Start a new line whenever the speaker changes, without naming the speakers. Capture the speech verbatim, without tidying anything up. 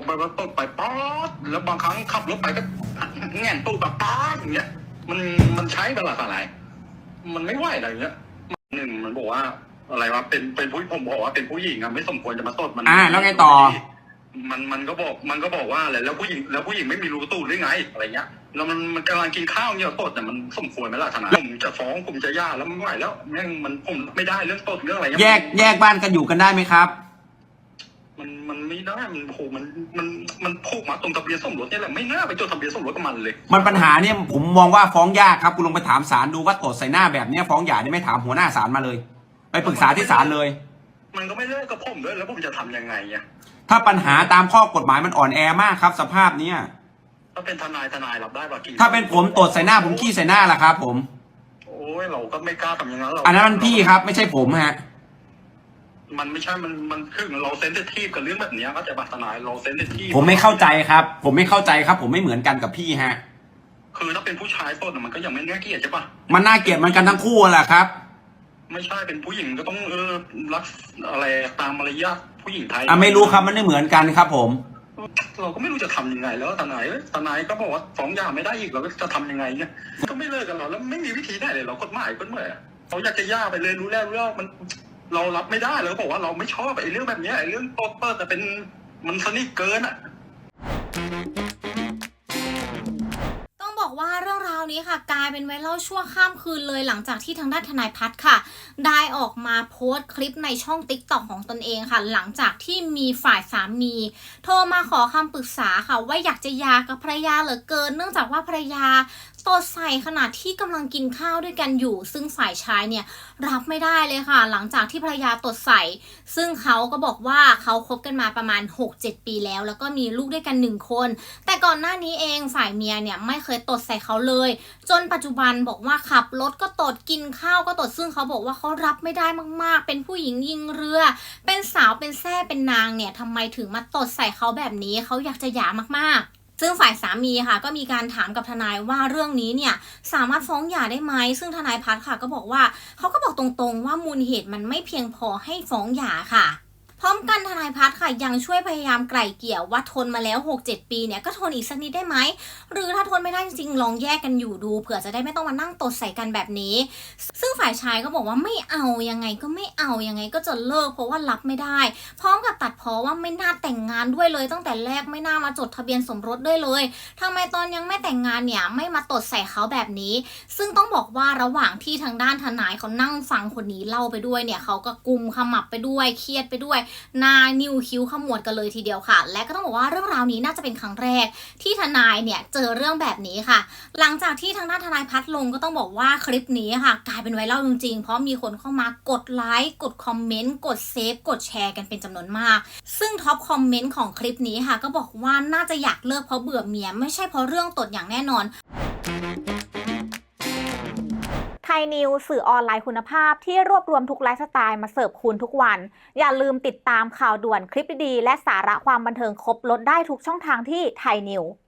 แบบตกไปป๊อดแล้วบางครั้งขับรถไปก็แง่นตู้แบบป๊อดอย่างเงี้ยมันมันใช้เวลาอะไรมันไม่ไหวอะไรเงี้ยหนึ่งมันบอกว่าอะไรวะเป็นเป็นผู้ผมบอกว่าเป็นผู้หญิงอะไม่สมควรจะมาตดมัน
อ่าแล้วไงต่อ
มันมันก็บอกมันก็บอกว่าอะไรแล้วผู้หญิงแล้วผู้หญิงไม่มีรูตู้หรือไงอะไรเงี้ยแล้วมันมันกำลังกินข้าวเนี่ยตดแต่มันสมควรไหมล่ะทนายผมจะฟ้องผมจะย่าแล้วไม่ไหวแล้วแม่งมันผมไม่ได้เรื่องตดเรื่องอะไรเงี้ย
แยกแยกบ้านกันอยู่กันได้ไหมครับ
มันมันไม่ได้มันโหมันมันมันผูกมาตรงทะเบียนสมรสเนี่ยแหละไม่น่าไปจดทะเบียนสมรสกับมันเลย
มันปัญหาเนี่ยผมมองว่าฟ้องยากครับคุณลงไปถามศาลดูว่าตดใส่หน้าแบบนี้ฟ้องหย่าได้ไม่ถามหัวหน้าศาลมาเลยไปปรึกษาที่ศาลเลย
มันก็ไม่เลิกกับผมด้วยแล้วผมจะทำยังไงอ่ะ
ถ้าปัญหาตามข้อกฎหมายมันอ่อนแอมากครับสภาพเนี้ย
ถ้าเป็นทนายทนายรับได้ป่ะกี่
ถ้าเป็นผมตดใส่หน้าผมขี้ใส่หน้าล่ะครับผม
โอ้ยเราก็ไม่กล้าทำอย่างนั้นเรา
อันนั้นมันพี่ครับไม่ใช่ผมฮะ
มันไม่ใช่มันมันคือเราเซนซิทีฟกับเรื่องแบบนี้ก็จะบัตรทนายเราเซนซิทีฟ
ผมไม่เข้าใจครับผมไม่เข้าใจครับผมไม่เหมือนกันกับพี่ฮะ
คือถ้าเป็นผู้ชายต้นมันก็ยังไม่น่าเกลียดใช่ปะ
มันน่าเกลียดมันกันทั้งคู่แหละครับ
ไม่ใช่เป็นผู้หญิงก็ต้องเออรักอะไรตามมารยาทผู้หญิงไทย
อ่ะไม่รู้ครับมันไม่เหมือนกันครับผม
เราก็ไม่รู้จะทำยังไงแล้วทนายทนายก็บอกว่าฟ้องหย่าไม่ได้อีกเราจะทำยังไงเนี่ยก็ไม่เลิกกันหรอแล้วไม่มีวิธีได้เลยเรากฎหมายก็เมื่อเราอยากจะหย่าไปเลยรู้แล้วรู้แล้วมันเรารับไม่ได้เราบอกว่าเราไม่ชอบไอ้เรื่องแบบนี้ไอ้เรื่องโต๊ดเปิดแต่เป็นมันสนิทเกินอ่ะ
ต้องบอกว่าเรื่องราวนี้ค่ะกลายเป็นไวรัลชั่วข้ามคืนเลยหลังจากที่ทางด้านทนายพัฒน์ค่ะได้ออกมาโพสต์คลิปในช่อง ติ๊กต็อก ของตนเองค่ะหลังจากที่มีฝ่ายสามีโทรมาขอคำปรึกษาค่ะว่าอยากจะหย่ากับภรรยาเหลือเกินเนื่องจากว่าภรรยาตดใส่ขณะที่กำลังกินข้าวด้วยกันอยู่ซึ่งฝ่ายชายเนี่ยรับไม่ได้เลยค่ะหลังจากที่ภรรยาตดใส่ซึ่งเขาก็บอกว่าเขาคบกันมาประมาณ หกเจ็ด ปีแล้วแล้วก็มีลูกด้วยกันหนึ่งคนแต่ก่อนหน้านี้เองฝ่ายเมียเนี่ยไม่เคยตดใส่เขาเลยจนปัจจุบันบอกว่าขับรถก็ตดกินข้าวก็ตดซึ่งเขาบอกว่าเขารับไม่ได้มากๆเป็นผู้หญิงยิงเรือเป็นสาวเป็นแซ่เป็นนางเนี่ยทำไมถึงมาตดใส่เขาแบบนี้เขาอยากจะหย่ามากๆซึ่งฝ่ายสามีค่ะก็มีการถามกับทนายว่าเรื่องนี้เนี่ยสามารถฟ้องหย่าได้ไหมซึ่งทนายพัฒน์ค่ะก็บอกว่าเขาก็บอกตรงๆว่ามูลเหตุมันไม่เพียงพอให้ฟ้องหย่าค่ะพร้อมกันทนายพัฒน์ค่ะยังช่วยพยายามไกล่เกลี่ยว่าทนมาแล้ว หกเจ็ด ปีเนี่ยก็ทนอีกสักนิดได้ไหมหรือถ้าทนไม่ได้จริงๆลองแยกกันอยู่ดูเผื่อจะได้ไม่ต้องมานั่งตดใส่กันแบบนี้ซึ่งฝ่ายชายก็บอกว่าไม่เอายังไงก็ไม่เอายังไงก็จะเลิกเพราะว่ารับไม่ได้พร้อมกับตัดพ้อว่าไม่น่าแต่งงานด้วยเลยตั้งแต่แรกไม่น่ามาจดทะเบียนสมรสด้วยเลยทำไมตอนยังไม่แต่งงานเนี่ยไม่มาตดใส่เขาแบบนี้ซึ่งต้องบอกว่าระหว่างที่ทางด้านทนายเขานั่งฟังคนนี้เล่าไปด้วยเนี่ยเขาก็กุมขมับไปด้วยเครียดไปด้วยหน้านิ้วคิ้วขมวดกันเลยทีเดียวค่ะและก็ต้องบอกว่าเรื่องราวนี้น่าจะเป็นครั้งแรกที่ทนายเนี่ยเจอเรื่องแบบนี้ค่ะหลังจากที่ทางด้านทนายพัฒน์ลงก็ต้องบอกว่าคลิปนี้ค่ะกลายเป็นไวรัลจริงๆเพราะมีคนเข้ามากดไลค์กดคอมเมนต์กดเซฟกดแชร์กันเป็นจำนวนมากซึ่งท็อปคอมเมนต์ของคลิปนี้ค่ะก็บอกว่าน่าจะอยากเลิกเพราะเบื่อเมียไม่ใช่เพราะเรื่องตดอย่างแน่นอน
ไทยนิวสื่อออนไลน์คุณภาพที่รวบรวมทุกไลฟ์สไตล์มาเสิร์ฟคุณทุกวันอย่าลืมติดตามข่าวด่วนคลิปดีๆและสาระความบันเทิงครบลดได้ทุกช่องทางที่ไทยนิว